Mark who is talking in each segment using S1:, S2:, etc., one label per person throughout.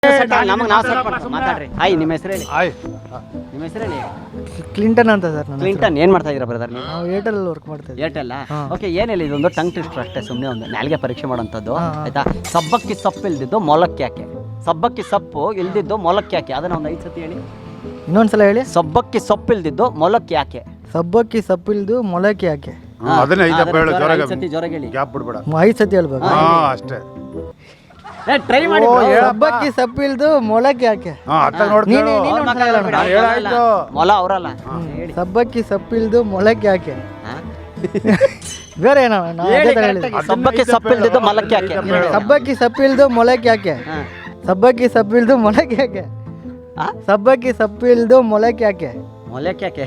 S1: ನಮಗೆ ನಾವು ಮಾತಾಡ್ರಿ. ಹಾಯ್, ನಿಮ್ಮ ಹೆಸರು ಹೇಳಿ.
S2: ಆಯ್
S1: ನಿಮ್ಮ ಹೆಸರು ಹೇಳಿ.
S3: ಕ್ಲಿಂಟನ್ ಅಂತ ಸರ್. ನನ್ನ
S1: ಕ್ಲಿಂಟನ್. ಏನು ಮಾಡ್ತಾ ಇದ್ದೀರಾ ಬ್ರದರ್ ನೀವು?
S3: ನಾವು ಏರ್ಟೆಲ್ ವರ್ಕ್ ಮಾಡ್ತಾ ಇದ್ದೀವಿ.
S1: ಏರ್ಟೆಲ್. ಓಕೆ, ಏನಿಲ್ಲ, ಇದೊಂದು ಟಂಗ್ ಟ್ವಿಸ್ಟರ್ ಅಷ್ಟೇ, ಸುಮ್ಮನೆ ಒಂದು ನಾಲ್ಗೆ ಪರೀಕ್ಷೆ ಮಾಡೋಂಥದ್ದು ಆಯ್ತಾ. ಸಬ್ಬಕ್ಕಿ ಸೊಪ್ಪು ಇಲ್ದಿದ್ದು ಮೊಲಕ್ಕೆ ಯಾಕೆ? ಸಬ್ಬಕ್ಕಿ ಸೊಪ್ಪು ಇಲ್ದಿದ್ದು ಮೊಲಕ್ಕೆ ಯಾಕೆ? ಅದನ್ನ ಒಂದು 5 ಸತಿ ಹೇಳಿ.
S3: ಇನ್ನೊಂದ್ಸಲ ಹೇಳಿ.
S1: ಸಬ್ಬಕ್ಕಿ ಸೊಪ್ಪು ಇಲ್ದಿದ್ದು ಮೊಲಕ್ಕೆ ಯಾಕೆ?
S3: ಸಬ್ಬಕ್ಕಿ ಸಪ್ಪಿಲ್ದು ಮೊಳಕೆ ಯಾಕೆ?
S2: ಅದನ್ನೇ ಐದಪ್ಪ ಹೇಳು,
S1: ಐದು ಸತಿ ಜೋರಾಗಿ ಹೇಳಿ.
S2: ಗ್ಯಾಪ್ ಬಿಡ್ಬೇಡ.
S3: 5 ಸತಿ ಹೇಳ್ಬೇಕು.
S2: ಅಷ್ಟೇ.
S1: ಟ್ರೈ ಮಾಡಿ.
S3: ಸಬ್ಬಕ್ಕಿ ಸಪ್ಪಿಲ್ದು ಮೊಳಕೆ ಯಾಕೆ?
S2: ಅತ್ತ ನೋಡ್ತೀನಿ. ಹೇಳಾಯ್ತು.
S1: ಮೊಲ ಅವರಲ್ಲ. ಹೇಳಿ.
S3: ಸಬ್ಬಕ್ಕಿ ಸಪ್ಪಿಲ್ದು ಮೊಳಕೆ ಯಾಕೆ? ಬೇರೆ ಏನೋ
S1: ಸಬ್ಬಕ್ಕಿ ಸೊಪ್ಪು ಇಲ್ದಿದ್ದು ಮೊಲಕ್ಕೆ ಯಾಕೆ?
S3: ಸಬ್ಬಕ್ಕಿ ಸಪ್ಪಿಲ್ದು ಮೊಳಕೆ ಯಾಕೆ? ಸಬ್ಬಕ್ಕಿ ಸಪ್ಪಿಲ್ದು ಮೊಳಕೆ ಯಾಕೆ? ಸಬ್ಬಕ್ಕಿ ಸಪ್ಪಿಲ್ದು ಮೊಳಕೆ ಯಾಕೆ?
S1: ಮೊಲಕ್ಕೆ ಯಾಕೆ?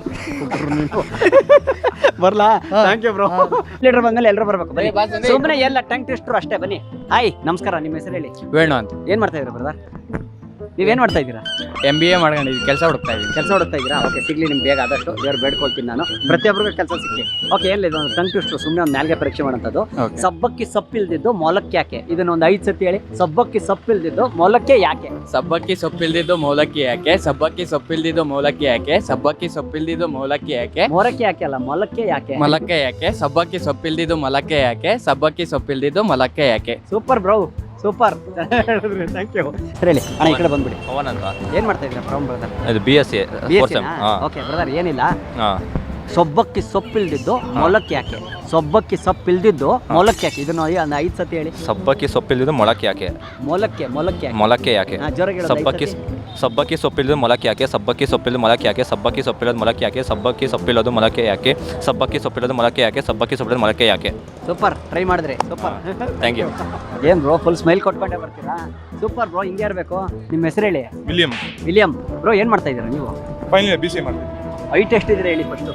S1: ಬರ್ಲಾ? Thank you bro. ಲೀಡರ್ ಬಂದ್ಮೇಲೆ ಎಲ್ಲರೂ ಬರ್ಬೇಕು. ಬನ್ನಿ, ಸುಮ್ಮನೆ ಎಲ್ಲ ಟಂಗ್ ಟ್ವಿಸ್ಟರ್ ಅಷ್ಟೇ. ಬನ್ನಿ. ಹಾಯ್, ನಮಸ್ಕಾರ. ನಿಮ್ಮ ಹೆಸರು ಹೇಳಿ.
S4: ವೇಣು ಅಂತ.
S1: ಏನ್ ಮಾಡ್ತಾ ಇದ್ದೀರಾ ಬ್ರದರ್? ನೀವೇನ್ ಮಾಡ್ತಾ ಇದ್ದೀರಾ?
S4: MBA ಮಾಡ್ಕೊಂಡಿದ್ದೀವಿ, ಕೆಲಸ ಹುಡುಕ್ತಾ ಇದ್ದೀವಿ.
S1: ಕೆಲಸ ಹುಡುಕ್ತಾ ಇದ್ದೀರಾ? ಓಕೆ, ಸಿಗ್ಲಿ ನಿಮ್ಗೆ ಬೇಗ ಆದಷ್ಟು. ದೇವ್ರು ಬೇಡ್ಕೊಳ್ತೀನಿ ನಾನು, ಪ್ರತಿಯೊಬ್ಬರಿಗೂ ಕೆಲಸ ಸಿಗ್ಲಿ. ಓಕೆ, ಏನಿಲ್ಲ, ಇದೊಂದು ಟಂಗ್ ಟ್ವಿಸ್ಟರ್, ಸುಮ್ಮನೆ ಒಂದು ನಾಲ್ಗೆ ಪರೀಕ್ಷೆ ಮಾಡೋಂಥದ್ದು. ಸಬ್ಬಕ್ಕಿ ಸೊಪ್ಪಿಲ್ದಿದ್ದು ಮೊಲಕ್ಕೆ ಯಾಕೆ? ಇದನ್ನ ಒಂದು 5 ಸತಿ ಹೇಳಿ. ಸಬ್ಬಕ್ಕಿ ಸೊಪ್ಪಿಲ್ದಿದ್ದು ಮೊಲಕ್ಕೆ ಯಾಕೆ?
S4: ಸಬ್ಬಕ್ಕಿ ಸೊಪ್ಪಿಲ್ದಿದ್ದು ಮೌಲಕ್ಕಿ ಯಾಕೆ? ಸಬ್ಬಕ್ಕಿ ಸೊಪ್ಪಿಲ್ದಿದ್ದು ಮೌಲಕ್ಕಿ ಯಾಕೆ? ಸಬ್ಬಕ್ಕಿ ಸೊಪ್ಪಿಲ್ದಿದ್ದು ಮೌಲಕ್ಕಿ ಯಾಕೆ?
S1: ಮೊರಕ್ಕೆ ಯಾಕೆ ಅಲ್ಲ, ಮೊಲಕ್ಕೆ ಯಾಕೆ?
S4: ಮೊಲಕ್ಕೆ ಯಾಕೆ? ಸಬ್ಬಕ್ಕಿ ಸೊಪ್ಪಿಲ್ದಿದ್ದು ಮೊಲಕ್ಕೆ ಯಾಕೆ? ಸಬ್ಬಕ್ಕಿ ಸೊಪ್ಪಿಲ್ದಿದ್ದು ಮೊಲಕ್ಕೆ ಯಾಕೆ?
S1: Super bro, super. Thank you. ಹೇಳಿ ಅಣ್ಣ, ಈ ಕಡೆ ಬಂದ್ಬಿಡಿ.
S5: ಪವನ್ ಅಂತ.
S1: ಏನ್ ಮಾಡ್ತಾ ಇದ್ದೀರಾ ಬ್ರೌನ್ ಬ್ರದರ್?
S5: ಇದು BSc fourth sem.
S1: Okay brother, ಏನಿಲ್ಲ, ಸೊಬ್ಬಕ್ಕಿ ಸೊಪ್ಪಿಲ್ದಿದ್ದು ಮೊಲಕ್ಕೆ ಯಾಕೆ? ಸೊಬ್ಬಕ್ಕಿ ಸೊಪ್ಪಿಲ್ದಿದ್ದು ಮೊಲಕ್ಕೆ ಯಾಕೆ? ಇದನ್ನ ಒಂದು 5 ಸತಿ ಹೇಳಿ.
S5: ಸಬ್ಬಕ್ಕಿ ಸೊಪ್ಪಿಲ್ದಿದ್ದು ಮೊಳಕೆ ಯಾಕೆ?
S1: ಮೊಲಕ್ಕೆ ಯಾಕೆ?
S5: ಮೊಳಕೆ ಯಾಕೆ?
S1: ಜೋರಾಗಿ ಹೇಳು.
S5: ಸಬ್ಬಕ್ಕಿ ಸೊಪ್ಪಿಲ್ಲದು ಮೊಳಕೆ ಯಾಕೆ? ಸಬ್ಬಕ್ಕಿ ಸೊಪ್ಪಿಲ್ಲದು ಮೊಳಕೆ ಯಾಕೆ? ಸಬ್ಬಕ್ಕಿ ಸೊಪ್ಪಿಲ್ಲದು ಮೊಳಕೆ ಯಾಕೆ? ಸಬ್ಬಕ್ಕಿ ಸೊಪ್ಪಿಲ್ಲದು ಮೊಳಕೆ ಯಾಕೆ? ಸಬ್ಬಕ್ಕಿ ಸೊಪ್ಪಿಲ್ಲದು ಮೊಳಕೆ ಯಾಕೆ? ಸಬ್ಬಕ್ಕಿ ಸೊಪ್ಪಿಲ್ಲದು ಮೊಳಕೆ ಯಾಕೆ?
S1: ಸೂಪರ್, ಟ್ರೈ ಮಾಡಿದ್ರಿ. Super,
S5: thank you.
S1: ಏನ್ ಬ್ರೋ, ಫುಲ್ ಸ್ಮೈಲ್ ಕೊಟ್ಕೊಂಡೆ ಬರ್ತೀರಾ? ಸೂಪರ್ ಬ್ರೋ, ಹಿಂಗೆ ಇರಬೇಕು. ನಿಮ್ಮ ಹೆಸರು ಹೇಳಿ. ವಿಲಿಯಂ ಬ್ರೋ, ಏನ್ ಮಾಡ್ತಾ ಇದ್ದೀರಾ ನೀವು?
S2: ಫೈನಲ್ BCA ಮಾಡ್ತೀನಿ.
S1: ಹೈಟ್ ಎಷ್ಟಿದ್ರೆ ಹೇಳಿ ಫಸ್ಟ್.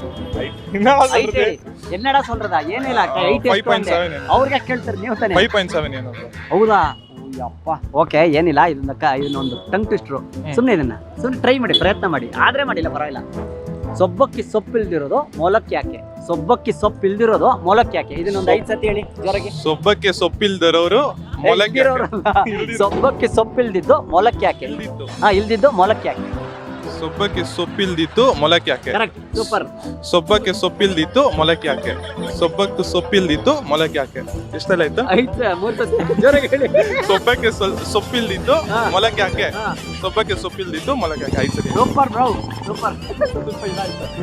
S1: ಹೈಟ್ ಹೇಳಿ. ಎನ್ನಡ ಸೊಲ್ರದಾ? ಏನಿಲ್ಲ, ಹೈಟ್ ಎಷ್ಟು ಅಂದೆ? ಅವ್ರಿಗೆ ಕೇಳ್ತಾರೆ, ನೀವು ತಾನೆ.
S2: 5.7 ಏನು?
S1: ಹೌದಾ? ಅಪ್ಪ. ಓಕೆ, ಏನಿಲ್ಲ, ಇದನ್ನೊಂದು ಟಂಗ್ ಟ್ವಿಸ್ಟ್ರು. ಸುಮ್ಮನೆ ಟ್ರೈ ಮಾಡಿ, ಪ್ರಯತ್ನ ಮಾಡಿ, ಆದ್ರೆ ಮಾಡಿಲ್ಲ ಪರವಾಗಿಲ್ಲ. ಸೊಬ್ಬಕ್ಕಿ ಸೊಪ್ಪು ಇಲ್ದಿರೋದು ಮೊಲಕ್ಕೆ ಯಾಕೆ? ಸೊಬ್ಬಕ್ಕಿ ಸೊಪ್ಪು ಇಲ್ದಿರೋದು ಮೊಲಕ್ಕೆ ಯಾಕೆ? ಇದನ್ನೊಂದು 5 ಸತಿ ಹೇಳಿ ಜೋರಾಗಿ.
S2: ಸೊಬ್ಬಕ್ಕೆ ಸೊಪ್ಪಿಲ್ದರೋರು ಮೊಲಕ್ಕೆ.
S1: ಸೊಬ್ಬಕ್ಕಿ ಸೊಪ್ಪಿಲ್ದಿದ್ದು ಮೊಲಕ್ಕೆ ಯಾಕೆ? ಇಲ್ದಿದ್ದು ಮೊಲಕ್ಕೆ ಯಾಕೆ?
S2: ಸೊಬ್ಬಕ್ಕೆ ಸೊಪ್ಪಿಲ್ದಿತ್ತು ಮೊಲಕ್ಕೆ ಯಾಕೆ?
S1: Correct, super.
S2: ಸೊಬ್ಬಕ್ಕೆ ಸೊಪ್ಪಿಲ್ದಿತ್ತು ಮೊಲಕ್ಕೆ ಯಾಕೆ? ಸೊಬ್ಬಕ್ಕೆ ಸೊಪ್ಪಿಲ್ದಿತ್ತು ಮೊಲಕ್ಕೆ ಯಾಕೆ? ಎಷ್ಟೆಲ್ಲ ಆಯ್ತು?
S1: 3 ಸತಿ ಜೋರಾಗಿ ಹೇಳಿ.
S2: ಸೊಬ್ಬಕ್ಕೆ ಸೊಪ್ಪಿಲ್ದಿತ್ತು ಮೊಲಕ್ಕೆ ಯಾಕೆ? ಸೊಬ್ಬಕ್ಕೆ ಸೊಪ್ಪಿಲ್ದಿತ್ತು ಮೊಲಕ್ಕೆ ಯಾಕೆ? 5 ಸತಿ.
S1: Super bro, super.